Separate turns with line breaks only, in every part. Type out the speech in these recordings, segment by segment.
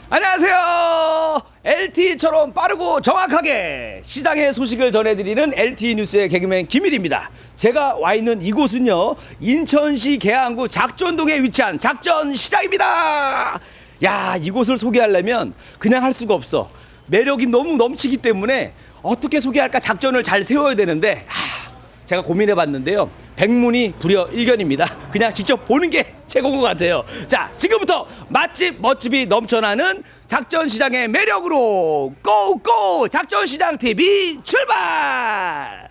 안녕하세요. LTE처럼 빠르고 정확하게 시장의 소식을 전해드리는 LTE 뉴스의 개그맨 김일입니다. 제가 와 있는 이곳은요, 인천시 계양구 작전동에 위치한 작전시장입니다. 야, 이곳을 소개하려면 그냥 할 수가 없어. 매력이 너무 넘치기 때문에 어떻게 소개할까 작전을 잘 세워야 되는데, 제가 고민해 봤는데요, 백문이 불여 일견입니다. 그냥 직접 보는 게 최고인 것 같아요. 자, 지금부터 맛집 멋집이 넘쳐나는 작전시장의 매력으로 고고 작전시장 TV 출발.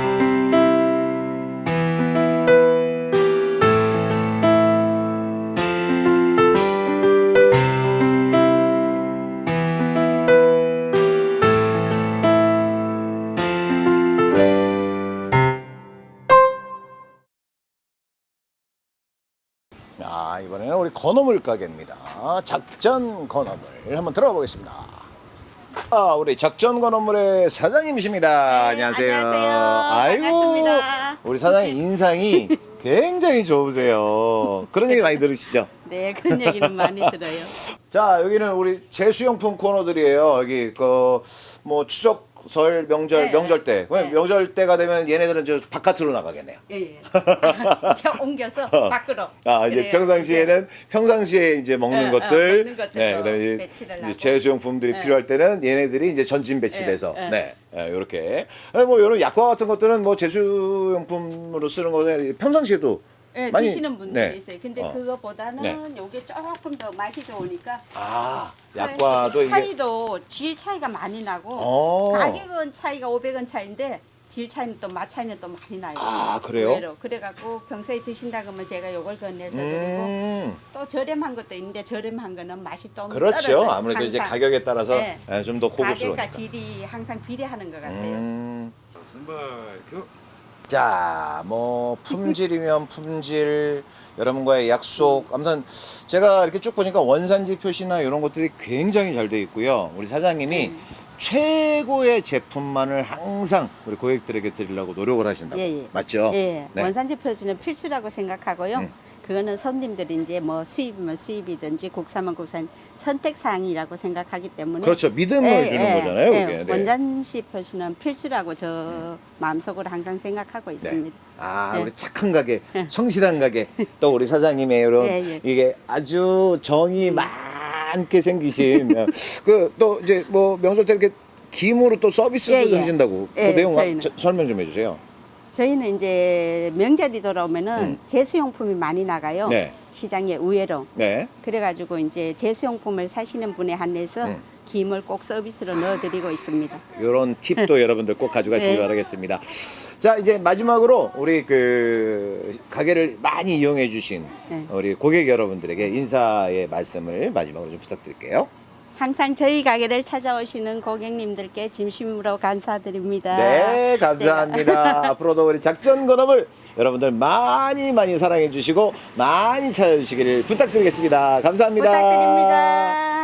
이번에는 우리 건어물 가게입니다. 작전 건어물 한번 들어가 보겠습니다. 우리 작전 건어물의 사장님이십니다.
네,
안녕하세요.
안녕하세요. 반갑습니다.
우리 사장님 인상이 굉장히 좋으세요. 그런 얘기 많이 들으시죠?
네, 그런 얘기는 많이 들어요.
자, 여기는 우리 제수용품 코너들이에요. 여기 뭐 추석, 설, 명절,
네,
명절 때.
네.
명절 때가 되면 얘네들은 저 바깥으로 나가겠네요.
예. 옮겨서 밖으로.
이제
그래요.
평상시에 이제 먹는 것들,
먹는 것들도
네, 그다음에
배치를
이제
하고.
제수용품들이
네.
필요할 때는 얘네들이 이제 전진 배치돼서,
네.
이렇게. 뭐 이런 약과 같은 것들은 뭐 제수용품으로 쓰는 거는 평상시에도
네,
많이
드시는 분들이
네.
있어요. 근데
어.
그거보다는
네.
요게 조금 더 맛이 좋으니까.
약과도 이게
차이도 질 차이가 많이 나고
어.
가격은 차이가 500원 차인데 질 차이는 또 맛 차이는 또 많이 나요.
그래요?
의외로. 그래갖고 평소에 드신다 그러면 제가 요걸 건네서 드리고 또 저렴한 것도 있는데 저렴한 거는 맛이 좀
그렇죠.
떨어져요.
아무래도 이제
항상.
가격에 따라서
네.
좀 더 고급스러우니까.
가격과 질이 항상 비례하는 것 같아요.
자, 뭐 품질이면 품질, 여러분과의 약속. 아무튼 제가 이렇게 쭉 보니까 원산지 표시나 이런 것들이 굉장히 잘 돼 있고요. 우리 사장님이 최고의 제품만을 항상 우리 고객들에게 드리려고 노력을 하신다고.
예.
맞죠?
예.
네.
원산지 표시는 필수라고 생각하고요. 그거는 손님들이 이제 뭐 수입이면 수입이든지 국산이면 국산 선택사항이라고 생각하기 때문에
그렇죠. 믿음을 주는 거잖아요, 그게. 네.
원산지 표시는 필수라고 저 마음속으로 항상 생각하고 있습니다. 네.
우리 착한 가게, 성실한 가게, 또 우리 사장님의 이런
예.
이게 아주 정이 많게 생기신 또 이제 뭐 명절 때 이렇게 김으로 또 서비스도
예.
하신다고 그
예,
내용
저희는.
설명 좀 해주세요.
저희는 이제 명절이 돌아오면은 제수용품이 많이 나가요.
네.
시장에 의외로.
네.
그래가지고 이제 제수용품을 사시는 분에 한해서 김을 꼭 서비스로 넣어드리고 있습니다.
이런 팁도 여러분들 꼭 가져가시기
네.
바라겠습니다. 자, 이제 마지막으로 우리 가게를 많이 이용해 주신
네.
우리 고객 여러분들에게 인사의 말씀을 마지막으로 좀 부탁드릴게요.
항상 저희 가게를 찾아오시는 고객님들께 진심으로 감사드립니다.
네, 감사합니다. 앞으로도 우리 작전 건어물 여러분들 많이 많이 사랑해 주시고 많이 찾아주시기를 부탁드리겠습니다. 감사합니다.
부탁드립니다.